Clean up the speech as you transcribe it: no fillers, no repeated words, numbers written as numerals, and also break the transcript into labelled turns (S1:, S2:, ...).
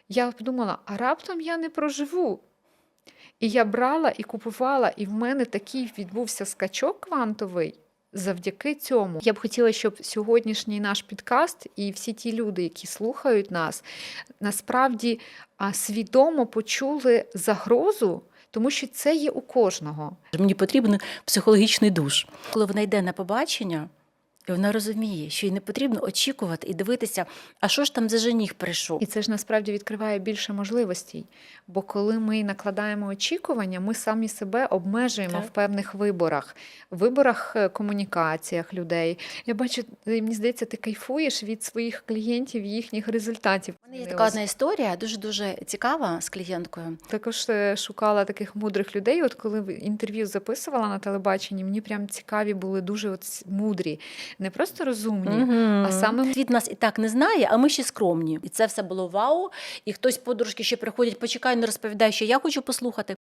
S1: Я подумала, а раптом я не проживу. І я брала і купувала, і в мене такий відбувся скачок квантовий завдяки цьому. Я б хотіла, щоб сьогоднішній наш підкаст і всі ті люди, які слухають нас, насправді свідомо почули загрозу, тому що це є у кожного.
S2: Мені потрібен психологічний душ. Коли вона йде на побачення, і вона розуміє, що їй не потрібно очікувати і дивитися, а що ж там за жених прийшов.
S1: І це ж насправді відкриває більше можливостей. Бо коли ми накладаємо очікування, ми самі себе обмежуємо
S2: Так.
S1: в певних виборах комунікаціях людей. Я бачу, мені здається, ти кайфуєш від своїх клієнтів, їхніх результатів.
S2: У мене є така одна історія, дуже цікава з клієнткою.
S1: Також шукала таких мудрих людей. От коли інтерв'ю записувала на телебаченні, мені прям цікаві були дуже мудрі. Не просто розумні, а саме
S2: Світ нас і так не знає, а ми ще скромні. І це все було вау. І хтось подружки ще приходять, почекай, не розповідай, що я хочу послухати.